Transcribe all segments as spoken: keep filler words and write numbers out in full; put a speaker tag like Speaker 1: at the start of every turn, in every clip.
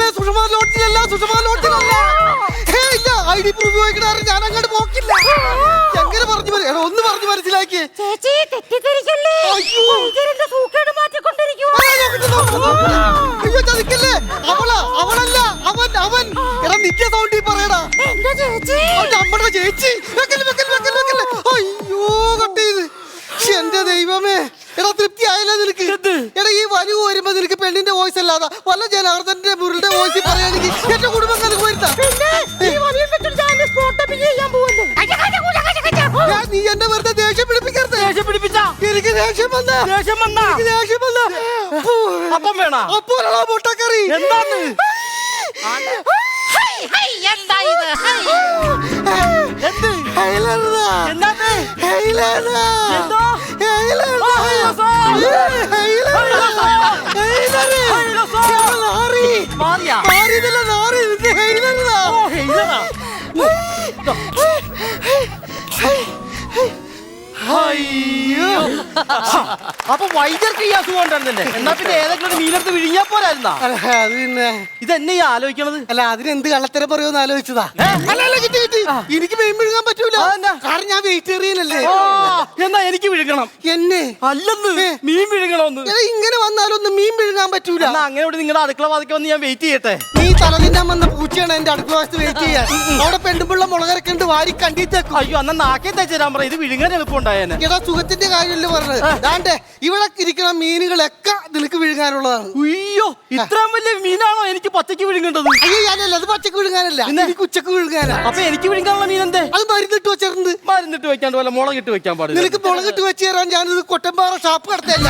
Speaker 1: ദൈവമേ, സുഷമ ലോഡ്ജിലല്ല, സുഷമ ലോഡ്ജിലല്ല. ഇല്ല, I D proof ചോദിക്കണ ഞാൻ അങ്ങോട്ട് പോക്കില്ല. എങ്ങനെ പറഞ്ഞു എടാ ഒന്ന് പറഞ്ഞു മനസ്സിലാക്കി.
Speaker 2: ചേച്ചി തെറ്റിദ്ധരിക്കല്ലേ?
Speaker 1: അയ്യോ ചതിക്കല്ലേ, അവളാ അവളല്ല അവൻ അവൻ. എടാ നിത്യ സൗണ്ടി പറയടാ.
Speaker 2: എന്താ ചേച്ചി?
Speaker 1: നമ്മുടെ ചേച്ചി. വെക്കല് വെക്കല് വെക്കല് വെക്കല്. അയ്യോ കട്ട് ചെയ്ത്. എന്റെ ദൈവമേ, എടാ തൃപ്തി ആയില്ല നിനക്ക്? എടാ ഈ വരവ് വരുമ്പോ നിനക്ക് പെണ്ണിന്റെ വോയിസ് അല്ലാതെ വല്ല ജനാർദ്ദന്റെ മുരളുടെ വോയിസ് പറയുകയാണെങ്കിൽ എന്റെ കുടുംബം നിനക്ക് വരുത്താം. നീ എന്നെ വെറുതെ ദേഷ്യം പിടിപ്പിക്കരുത്.
Speaker 3: ദേഷ്യം പിടിപ്പിച്ച
Speaker 1: എനിക്ക് ദേഷ്യം വന്ന
Speaker 3: ദേഷ്യം വന്ന
Speaker 1: ദേഷ്യം വന്ന
Speaker 3: അപ്പം വേണ
Speaker 1: അപ്പോഴാ മുട്ടക്കറി.
Speaker 3: എന്താണ് അപ്പൊ വൈദ്യർക്ക് ഈ അസുഖം ഉണ്ടായിരുന്നല്ലേ? എന്നാ പിന്നെ ഏതെങ്കിലും മീനെടുത്ത് വിഴിഞ്ഞാ പോരായിരുന്നാ?
Speaker 1: അത് പിന്നെ
Speaker 3: ഇതെന്നെ ഈ ആലോചിക്കണത്.
Speaker 1: അല്ല അതിനെന്ത് കള്ളത്തരം പറയുമെന്ന് ആലോചിച്ചതാ. എനിക്ക് മീൻ വിഴുങ്ങാൻ പറ്റൂല, കാരണം ഞാൻ വെജിറ്റേറിയനല്ലേ.
Speaker 3: എന്നാ എനിക്ക് വിഴുങ്ങണം.
Speaker 1: എന്നെ
Speaker 3: അല്ലെന്ന് മീൻ വിഴുങ്ങണമെന്ന്.
Speaker 1: ഇങ്ങനെ വന്നാലൊന്നും മീൻ വിഴുങ്ങാൻ പറ്റൂല.
Speaker 3: എന്നാ അങ്ങനെ നിങ്ങളുടെ അടുക്കള വാതിക്ക് വന്ന് ഞാൻ വെയിറ്റ് ചെയ്യട്ടെ.
Speaker 1: നീ തലതിന്നാൻ വന്ന പൂച്ചയാണ് എന്റെ അടുക്കള വശത്ത് വെയിറ്റ് ചെയ്യാൻ. അവിടെ പെണ്ണുപിള്ള മുളകരക്കുണ്ട്, വാരി കണ്ടിട്ടേക്കും.
Speaker 3: അയ്യോ എന്നാ നാക്കേ തേച്ചേരാൻ പറ, ഇത് വിഴുങ്ങാൻ എളുപ്പമുണ്ടായേനെ.
Speaker 1: എടാ സുഖത്തിന്റെ കാര്യമല്ലേ പറഞ്ഞത്. ദാണ്ടേ ഇവിടെ ഇരിക്കുന്ന മീനുകളൊക്കെ നിനക്ക് വിഴുങ്ങാനുള്ളതാണ്.
Speaker 3: അയ്യോ ഇത്രയും വലിയ മീനാണോ എനിക്ക് പച്ചക്ക് വിഴുങ്ങേണ്ടത്?
Speaker 1: അയ്യോ ഞാനല്ല, അത് പച്ചക്ക് വിഴുങ്ങാനല്ല, എനിക്ക് ഉച്ചക്ക് വിഴുങ്ങാനാ.
Speaker 3: അപ്പൊ എനിക്ക് വിഴുങ്ങാനുള്ള മീൻ എന്തേ?
Speaker 1: അത് മരുന്നിട്ട് വെച്ചിട്ടുണ്ട്.
Speaker 3: മരുന്നിട്ട് വെക്കാണ്ട് പോലെ മുളകിട്ട് വെക്കാൻ പാടില്ല.
Speaker 1: നിനക്ക് മുളകിട്ട് വെച്ച് തരാൻ ഞാനിത് കൊട്ടമ്പാറ ഷാപ്പ് നടത്തല്ല.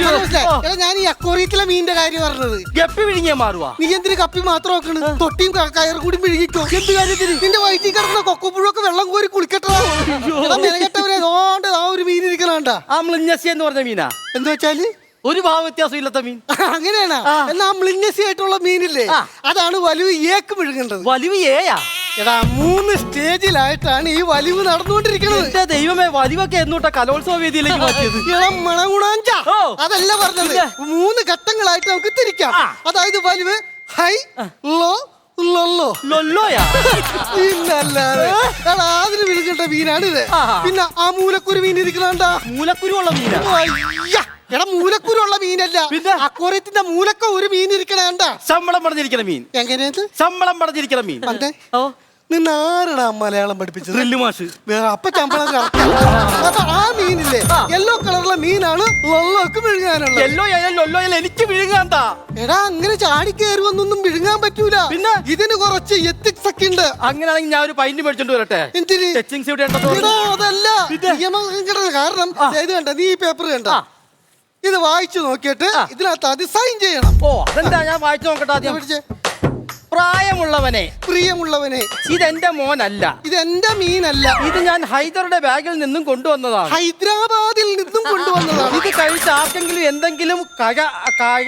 Speaker 1: ഞാൻ ഈ അക്വോറിയത്തിലെ മീനിന്റെ കാര്യം പറഞ്ഞത്.
Speaker 3: ഗപ്പി വിഴുങ്ങിയാ മാറുവാ?
Speaker 1: നീ എന്തിന് കപ്പി മാത്രം വെക്കണ്? തൊട്ടിയും കയറും കൂടി വിഴുങ്ങിക്കോ. എന്ത് കാര്യത്തിന്? നിന്റെ വയറ്റിൽ കിടന്ന കൊക്കപ്പുഴൊക്കെ വെള്ളം കോരി കുളിക്കട്ടതാ. മെനകെട്ടവരെ അതുകൊണ്ട് ആ ഒരു മീൻ ഇരിക്കണണ്ട.
Speaker 3: ആ മ്ലിഞ്ഞസി എന്ന് പറഞ്ഞ മീനാ?
Speaker 1: എന്താ വെച്ചാല്
Speaker 3: ഒരു ഭാവ വ്യത്യാസം ഇല്ലാത്ത മീൻ.
Speaker 1: അങ്ങനെയാണ്. എന്നാ മ്ലിഞ്ഞസി ആയിട്ടുള്ള മീനില്ലേ, അതാണ് വലിവ് ഏക്ക് വിഴുങ്ങേണ്ടത്.
Speaker 3: വലിവ് ഏയാ?
Speaker 1: എടാ മൂന്ന് സ്റ്റേജിലായിട്ടാണ് ഈ വലിവ് നടന്നുകൊണ്ടിരിക്കുന്നത്.
Speaker 3: എന്റെ ദൈവമേ, വലിവൊക്കെ എന്നോട്ടാ കലോത്സവ വേദിയിലേക്ക് മാറ്റിയത്?
Speaker 1: ഇളം മണഗുണാഞ്ച അതല്ല പറഞ്ഞത്. മൂന്ന് ഘട്ടങ്ങളായിട്ട് നമുക്ക് തിരിക്കാം. അതായത് വലിവ് ഹൈ, ലോ, ലൊല്ലോ.
Speaker 3: ലൊല്ലോയാ?
Speaker 1: പിന്നല്ലാതെ അതിന് വിഴുകേണ്ട മീനാണ് ഇത്. പിന്നെ ആ മൂലക്കുരു മീൻ ഇരിക്കണണ്ട.
Speaker 3: മൂലക്കുരു ഉള്ള മീനാ?
Speaker 1: എടാ മൂലക്കുരുള്ള മീനല്ല, അക്വോറിയത്തിന്റെ മൂലക്ക ഒരു മീൻ ഇരിക്കണണ്ട.
Speaker 3: ശമ്പളം പടഞ്ഞിരിക്കണ മീൻ.
Speaker 1: എങ്ങനെയത്?
Speaker 3: ശമ്പളം പടഞ്ഞിരിക്കണ മീൻ.
Speaker 1: നിന്ന് ആരടാ മലയാളം പഠിപ്പിച്ചത്?
Speaker 3: ഡ്രില്ല് മാഷ്.
Speaker 1: അപ്പൊ ശമ്പളം അപ്പൊ ആ മീനില്ലേ യെല്ലോ കളറുള്ള മീനാണ് ലൊള്ളോക്ക് വിഴുങ്ങാനുള്ളത്.
Speaker 3: യെല്ലോ ലൊല്ലോ എനിക്ക് വിഴുങ്ങാണ്ടാ.
Speaker 1: എടാ അങ്ങനെ ചാടി കയറി വന്നൊന്നും വിഴുങ്ങാൻ പറ്റൂല. പിന്നെ ഇതിന് കുറച്ച് എത്തിക്സ് ഒക്കെ ഉണ്ട്.
Speaker 3: അങ്ങനെയാണെങ്കിൽ ഞാൻ ഒരു പൈന്റ് മേടിച്ചോണ്ട് വരട്ടെ.
Speaker 1: എന്തിന്?
Speaker 3: ടച്ചിങ്സ് ഇവിടെ
Speaker 1: അതല്ല കാരണം ഇത് കണ്ട, നീ ഈ പേപ്പർ കണ്ട, ഇത് വായിച്ചു നോക്കിയിട്ട് ഇതിനകത്ത് അത് സൈൻ ചെയ്യണം.
Speaker 3: ഓ അതെന്താ? ഞാൻ വായിച്ചു നോക്കട്ടെ ആദ്യം. പ്രായമുള്ളവനെ,
Speaker 1: പ്രിയമുള്ളവനെ,
Speaker 3: ഇതെന്റെ മോനല്ല,
Speaker 1: ഇതെന്റെ മീനല്ല,
Speaker 3: ഇത് ഞാൻ ഹൈദറുടെ ബാഗിൽ നിന്നും കൊണ്ടുവന്നതാണ്,
Speaker 1: ഹൈദരാബാദിൽ നിന്നും കൊണ്ടുവന്നതാണ്.
Speaker 3: ഇത് കഴിച്ച് ആർക്കെങ്കിലും എന്തെങ്കിലും കഴ കഴ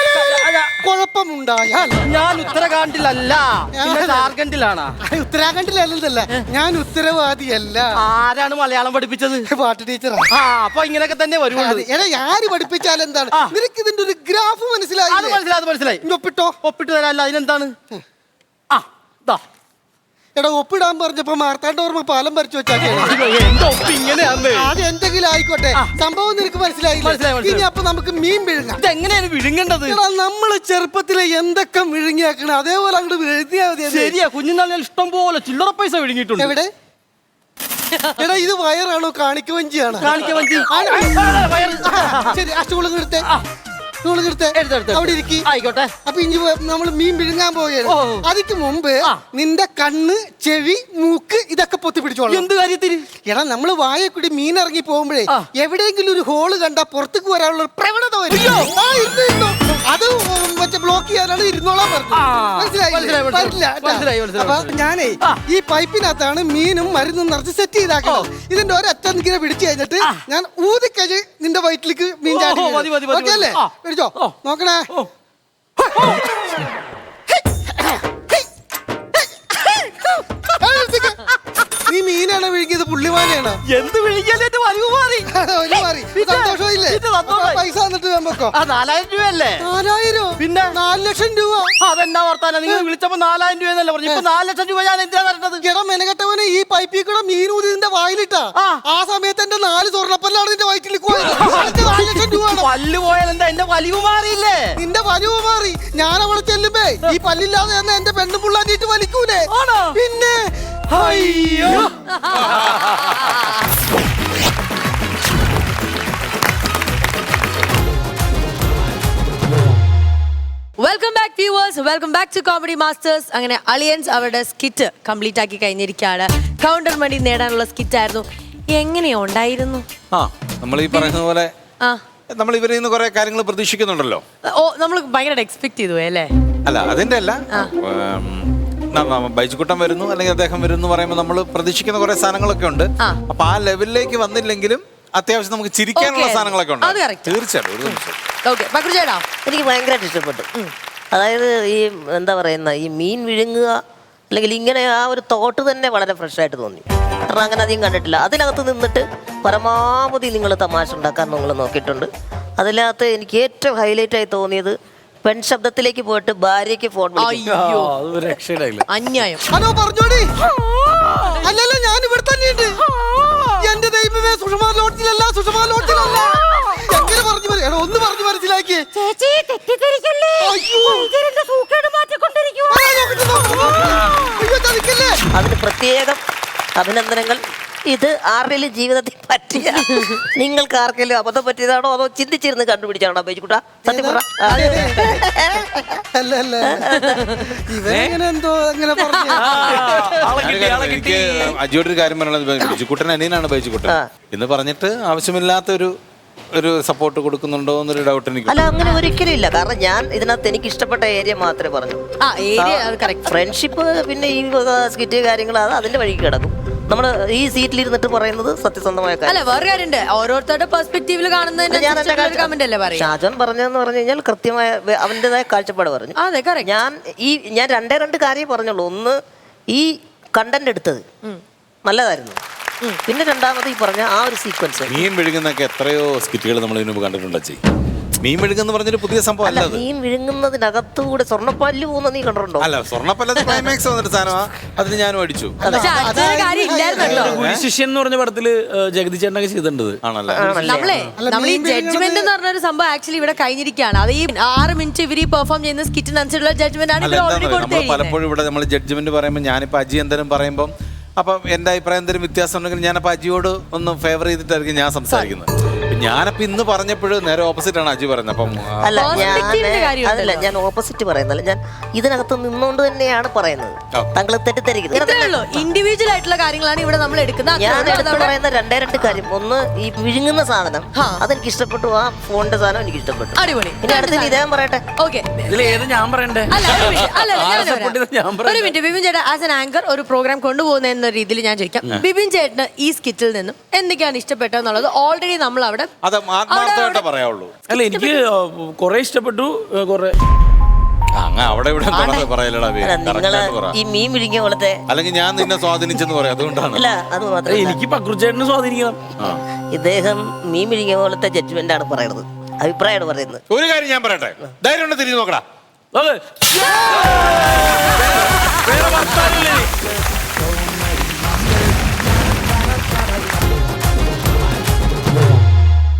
Speaker 1: കുഴപ്പമുണ്ടായാൽ
Speaker 3: ഞാൻ ഉത്തരാഖണ്ഡിലല്ല, ജാർഖണ്ഡിലാണ്.
Speaker 1: ഉത്തരാഖണ്ഡിലല്ല, ഞാൻ ഉത്തരവാദിയല്ല.
Speaker 3: ആരാണ് മലയാളം പഠിപ്പിച്ചത്?
Speaker 1: പാട്ട് ടീച്ചറാ.
Speaker 3: ആ അപ്പൊ ഇങ്ങനെയൊക്കെ തന്നെ വരുള്ളൂ.
Speaker 1: എടാ ആര് പഠിപ്പിച്ചാൽ എന്താണ്? നിനക്ക് ഇതിന്റെ ഒരു ഗ്രാഫ് മനസ്സിലായി?
Speaker 3: അത് മനസ്സിലായി, അത് മനസ്സിലായി.
Speaker 1: ഒപ്പിട്ടോ?
Speaker 3: ഒപ്പിട്ട് തരാല്ല. അതിനെന്താണ്? ആ ദാ
Speaker 1: എടാ ഒപ്പിടാൻ പറഞ്ഞപ്പോ മാർത്താണ്ഡോർമ്മ പാലം വരച്ചു വെച്ചാൽ
Speaker 3: അത്
Speaker 1: എന്തെങ്കിലും ആയിക്കോട്ടെ, സംഭവം നിനക്ക് മനസ്സിലായില്ല. ഇനി അപ്പൊ നമുക്ക് മീൻ വിഴുങ്ങാം.
Speaker 3: ഇതെങ്ങനെയാണ് വിഴുങ്ങേണ്ടത്?
Speaker 1: നമ്മള് ചെറുപ്പത്തിലെ എന്തൊക്കെ വിഴുങ്ങിയാക്കണം അതേപോലെ അങ്ങോട്ട് വിഴുങ്ങിയാൽ മതി.
Speaker 3: ശരിയാ, കുഞ്ഞുനാളിൽ ഇഷ്ടം പോലെ ചില്ലറ പൈസ വിഴുങ്ങിയിട്ടുണ്ട്.
Speaker 1: എവിടെ? എടാ ഇത് വയറാണോ കാണിക്കവഞ്ചിയാണോ?
Speaker 3: കാണിക്കവഞ്ചി.
Speaker 1: ശരി, ആ സ്റ്റൂള് നിർത്തേ, അവിടെ ഇരിക്കി.
Speaker 3: ആയിക്കോട്ടെ.
Speaker 1: അപ്പൊ ഇഞ്ചി നമ്മൾ മീൻ വിഴുങ്ങാൻ പോവുകയാണ്. അതിക്ക് മുമ്പ് നിന്റെ കണ്ണ്, ചെവി, മൂക്ക് ഇതൊക്കെ പൊത്തി പിടിച്ചോളാം.
Speaker 3: എന്ത് കാര്യത്തിന്?
Speaker 1: എടാ നമ്മള് വായക്കൂടി മീൻ ഇറങ്ങി പോകുമ്പോഴേ എവിടെയെങ്കിലും ഒരു ഹോള് കണ്ടാ പുറത്തേക്ക് വരാനുള്ള പ്രവണത വരും. അത് മറ്റേ ബ്ലോക്ക് ചെയ്യാനാണ് ഇരുന്നോളാൻ പറഞ്ഞത്. അപ്പൊ ഞാനേ ഈ പൈപ്പിനകത്താണ് മീനും മരുന്നും നിറച്ച് സെറ്റ് ചെയ്താക്കുന്നത്. ഇതിന്റെ ഒരറ്റം ഇങ്ങനെ പിടിച്ചു കഴിഞ്ഞിട്ട് ഞാൻ ഊതിക്കഴിഞ്ഞ് നിന്റെ വയറ്റിലേക്ക് മീൻ ചാടി. ഓക്കെ അല്ലേ? പിടിച്ചോ, നോക്കണേ. നീ മീനെ മാനെയാണ് വിഴുങ്ങിയത്, പുള്ളിമാനെയാണ്.
Speaker 3: എന്ത് വിളിക്കാനായിട്ട് വലിവ് മാറി
Speaker 1: ഒരു മാറി സന്തോഷമില്ലേ? പൈസ തന്നിട്ട് വെമ്പോ
Speaker 3: നാലായിരം രൂപയല്ലേ?
Speaker 1: നാലായിരം
Speaker 3: പിന്നെ
Speaker 1: നാല് ലക്ഷം രൂപ.
Speaker 3: അതെന്നാ വർത്താനം? നിങ്ങൾ വിളിച്ചപ്പോ നാലായിരം രൂപ എന്നല്ലേ പറഞ്ഞു, ഇപ്പൊ നാല് ലക്ഷം രൂപ ഞാൻ എന്തിനാ തരേണ്ടത്?
Speaker 1: എടാ മെനകെട്ടവനെ, ഈ പൈപ്പിൽ കൂടെ മീൻ ഊതിന്റെ വായിലിട്ടാ ആ സമയത്ത് എന്റെ നാല് സ്വർണ്ണപ്പല്ലാണ് നിന്റെ വയറ്റിൽ പോയത്. നാല് ലക്ഷം രൂപ
Speaker 3: പല്ല് പോയാൽ എന്താ എന്റെ വലിവ് മാറിയില്ലേ?
Speaker 1: നിന്റെ വലിവ് മാറി. ഞാൻ അവിടെ ചെല്ലുമ്പേ ഈ പല്ലില്ലാതെ തന്നെ എന്റെ പെണ്ണും പുള്ളാഞ്ഞിട്ട് വലിക്കൂലേ? പിന്നെ
Speaker 3: അയ്യോ
Speaker 4: welcome back viewers, welcome back to comedy masters. അങ്ങനെ അലിയൻസ് അവരുടെ സ്കിറ്റ് കംപ്ലീറ്റ് ആക്കി കഴിഞ്ഞിരിക്കുകയാണ്. കൗണ്ടർ മണി നേടാനുള്ള സ്കിറ്റ് ആയിരുന്നു. എങ്ങനെയാ ഉണ്ടായിരുന്നു?
Speaker 5: ആ നമ്മൾ ഈ പറയുന്ന പോലെ
Speaker 4: ആ
Speaker 5: നമ്മൾ ഇവരിൽ നിന്ന് കുറെ കാര്യങ്ങൾ പ്രതീക്ഷിക്കുന്നുണ്ടല്ലോ.
Speaker 4: ഓ, നമ്മൾ ഭയങ്കര എക്സ്പെക്ട് ചെയ്തു അല്ലേ?
Speaker 5: അല്ല അതിന്റെ അല്ല, ബൈജുക്കുട്ടൻ വരുന്നു അല്ലെങ്കിൽ അദ്ദേഹം വരുന്നു പറയുമ്പോൾ നമ്മൾ പ്രതീക്ഷിക്കുന്ന കുറെ സാധനങ്ങളൊക്കെ ഉണ്ട്. അപ്പൊ ആ ലെവലിലേക്ക് വന്നില്ലെങ്കിലും അത്യാവശ്യം നമുക്ക് ചിരിക്കാനുള്ള സാധനങ്ങളൊക്കെ ഉണ്ട്. തീർച്ചയായിട്ടും ഒരു നിമിഷം.
Speaker 6: എനിക്ക് ഭയങ്കരമായിട്ട് ഇഷ്ടപ്പെട്ടു. അതായത് ഈ എന്താ പറയുന്ന ഈ മീൻ വിഴുങ്ങുക അല്ലെങ്കിൽ ഇങ്ങനെ ആ ഒരു തോട്ട് തന്നെ വളരെ ഫ്രഷായിട്ട് തോന്നി. കാരണം അങ്ങനെ അധികം കണ്ടിട്ടില്ല. അതിനകത്ത് നിന്നിട്ട് പരമാവധി നിങ്ങൾ തമാശ ഉണ്ടാക്കാൻ നിങ്ങൾ നോക്കിയിട്ടുണ്ട്. അതിനകത്ത് എനിക്ക് ഏറ്റവും ഹൈലൈറ്റ് ആയി തോന്നിയത് പെൺ ശബ്ദത്തിലേക്ക് പോയിട്ട് ഭാര്യയ്ക്ക് ഫോൺ
Speaker 4: അന്യായം.
Speaker 1: ഹലോ പറഞ്ഞോടി. അല്ലല്ല ഞാൻ ഇവിടെ തന്നെയുണ്ട്. എന്റെ ദൈവമേ, സുഷമാ ലോഡ്ജിലല്ല, സുഷമാ ലോഡ്ജിലല്ല. എങ്ങനെ പറഞ്ഞു എടാ ഒന്ന് പറഞ്ഞു മനസ്സിലാക്കിയേ.
Speaker 2: ചേച്ചി തെറ്റിദ്ധരിക്കല്ലേ? വൈദ്യരുടെ സൂക്കേട് മാറ്റിക്കൊണ്ടിരിക്കുക.
Speaker 6: അതിന് പ്രത്യേകം അഭിനന്ദനങ്ങൾ. ഇത് ആരുടെയും ജീവിതത്തിൽ പറ്റിയ നിങ്ങൾക്ക് ആർക്കെങ്കിലും അബദ്ധം പറ്റിയതാണോ അതോ ചിന്തിച്ചിരുന്ന് കണ്ടുപിടിച്ചാണോ ബൈജുക്കുട്ടാ? സത്യം പറ.
Speaker 1: അല്ല അല്ല ഇവനെങ്ങനെ എന്തോ അങ്ങനെ പറഞ്ഞു.
Speaker 5: എനിക്ക് അജിയോട് ഒരു കാര്യം പറയുന്നത്, ബൈജുക്കുട്ടൻ അനിയനാണ് ബൈജുക്കുട്ടൻ എന്ന് പറഞ്ഞിട്ട് ആവശ്യമില്ലാത്ത ഒരു ഒരു സപ്പോർട്ട് കൊടുക്കുന്നുണ്ടോ എന്നൊരു ഡൗട്ട് എനിക്ക്.
Speaker 6: അല്ല അങ്ങനെ ഒരിക്കലും ഇല്ല. കാരണം ഞാൻ ഇതിനകത്ത് എനിക്ക് ഇഷ്ടപ്പെട്ട ഏരിയ മാത്രമേ പറഞ്ഞു. ഫ്രണ്ട്ഷിപ്പ് പിന്നെ ഈ സ്കിറ്റ് കാര്യങ്ങൾ അത് അതിന്റെ വഴിക്ക് കിടക്കും. നമ്മള് ഈ സീറ്റിലിരുന്നിട്ട് പറയുന്നത് സത്യസന്ധമായ കാര്യം.
Speaker 4: ഓരോരുത്തരുടെ പെർസ്പെക്റ്റീവിൽ കാണുന്നതിന്
Speaker 6: ഷാജോൻ പറഞ്ഞതെന്ന് പറഞ്ഞു കഴിഞ്ഞാൽ കൃത്യമായ അവന്റേതായ കാഴ്ചപ്പാട് പറഞ്ഞു. ഞാൻ ഈ ഞാൻ രണ്ടേ രണ്ട് കാര്യം പറഞ്ഞുള്ളൂ. ഒന്ന്, ഈ കണ്ടന്റ് എടുത്തത് നല്ലതായിരുന്നു. പിന്നെ രണ്ടാമത് ഈ പറഞ്ഞ ആ ഒരു സീക്വൻസ്.
Speaker 5: മീൻ വിഴുങ്ങുന്നൊക്കെ എത്രയോ സ്കിറ്റുകൾ നമ്മൾ ഇതിനു മുമ്പ് കണ്ടിട്ടുണ്ട്. മീൻ വിഴുങ്ങുന്ന പറഞ്ഞൊരു പുതിയ സംഭവം അല്ല.
Speaker 6: മീൻ വിഴുങ്ങുന്നതിനകത്തുകൂടെ സ്വർണ്ണപ്പല്ല് പോകുന്ന നീ കണ്ടിട്ടുണ്ടോ?
Speaker 5: അല്ല, സ്വർണ്ണപ്പല്ലത് ക്ലൈമാക്സ് വന്നിട്ട് സാധനമാ. അതിന് ഞാനും അടിച്ചു.
Speaker 7: ശിഷ്യൻ എന്ന് പറഞ്ഞ പടത്തില് ജഗതി ചേട്ടനൊക്കെ ചെയ്തിട്ടുണ്ട്.
Speaker 5: ആണല്ലേ?
Speaker 4: നമ്മളെ നമ്മൾ ഈ ജഡ്ജ്മെന്റ് എന്ന് പറഞ്ഞൊരു സംഭവം ആക്ച്വലി ഇവിടെ കഴിഞ്ഞിരിക്കുകയാണ്. അത് ഈ ആറ് മിനിറ്റ് ഇവർ പെർഫോം ചെയ്യുന്ന സ്കിറ്റിനനുസരിച്ചുള്ള ജഡ്ജ്മെന്റ് ആണ് ഇവിടെ ഓൾറെഡി കൊടുത്തത്.
Speaker 5: പലപ്പോഴും ഇവിടെ നമ്മൾ ജഡ്ജ്മെന്റ് പറയുമ്പോൾ ഞാനിപ്പോ അജി എന്തെങ്കിലും പറയുമ്പോൾ അപ്പം എൻ്റെ അഭിപ്രായം എന്തെങ്കിലും വ്യത്യാസം ഉണ്ടെങ്കിൽ ഞാനപ്പോൾ അജിയോട് ഒന്ന് ഫേവർ ചെയ്തിട്ടായിരിക്കും ഞാൻ സംസാരിക്കുന്നത്. ഞാനപ്പോ ഇന്ന് പറഞ്ഞപ്പോഴും നേരെ ഓപ്പോസിറ്റ് ആണ് അജി പറയുന്നത്. അപ്പം
Speaker 6: അല്ല ഞാൻ അതല്ല ഞാൻ ഓപ്പോസിറ്റ് പറയുന്നല്ല, ഞാൻ ഇതിനകത്ത് നിന്നുകൊണ്ട് തന്നെയാണ് പറയുന്നത്. താങ്കൾ തെറ്റിദ്ധരിക്കുന്നത്.
Speaker 4: ഇൻഡിവിജ്വൽ ആയിട്ടുള്ള കാര്യങ്ങളാണ് ഇവിടെ നമ്മൾ എടുക്കുന്നത്.
Speaker 6: ഞാൻ എടുത്ത് പറയുന്ന രണ്ടേ രണ്ട് കാര്യം. ഒന്ന്, ഈ വിഴുങ്ങുന്ന സാധനം അതെനിക്ക് ഇഷ്ടപ്പെട്ടു. ആ ഫോണിന്റെ സാധനം എനിക്ക് ഇഷ്ടപ്പെട്ടു.
Speaker 4: അടിപൊളി.
Speaker 6: ഇനി അടുത്ത് ഇദ്ദേഹം പറയട്ടെ.
Speaker 4: ഓക്കെ,
Speaker 7: ഞാൻ പറയണ്ടേ?
Speaker 4: ഒരു മിനിറ്റ്. ബിബിൻ ചേട്ടാ ആസ് എൻ ആങ്കർ ഒരു പ്രോഗ്രാം കൊണ്ടുപോകുന്ന എന്ന രീതിയിൽ ഞാൻ ചോദിക്കാം, ബിബിൻ ചേട്ടന് ഈ സ്കിറ്റിൽ നിന്നും എന്തൊക്കെയാണ് ഇഷ്ടപ്പെട്ടതെന്നുള്ളത് ഓൾറെഡി നമ്മൾ അവിടെ
Speaker 5: പറയാവുള്ളൂ.
Speaker 7: അല്ല, എനിക്ക് കൊറേ ഇഷ്ടപ്പെട്ടു. കൊറേ
Speaker 5: അവിടെ ഇവിടെ
Speaker 6: ഈ മീൻ വിഴുങ്ങിയ പോലത്തെ
Speaker 5: അല്ലെങ്കിൽ ഞാൻ നിന്നെ സ്വാധീനിച്ചെന്ന് പറയാം. അതുകൊണ്ടാണ്.
Speaker 6: അല്ല അത് മാത്രമല്ല,
Speaker 7: എനിക്ക് പക്രുചേട്ടനെ സ്വാധീനിക്കണം.
Speaker 6: ഇദ്ദേഹം മീൻ വിഴുങ്ങിയ പോലത്തെ ജഡ്ജ്മെന്റ് ആണ് പറയുന്നത്, അഭിപ്രായമാണ് പറയുന്നത്.
Speaker 5: ഒരു കാര്യം ഞാൻ പറയട്ടെ, ധൈര്യം തിരിഞ്ഞു നോക്കടാ.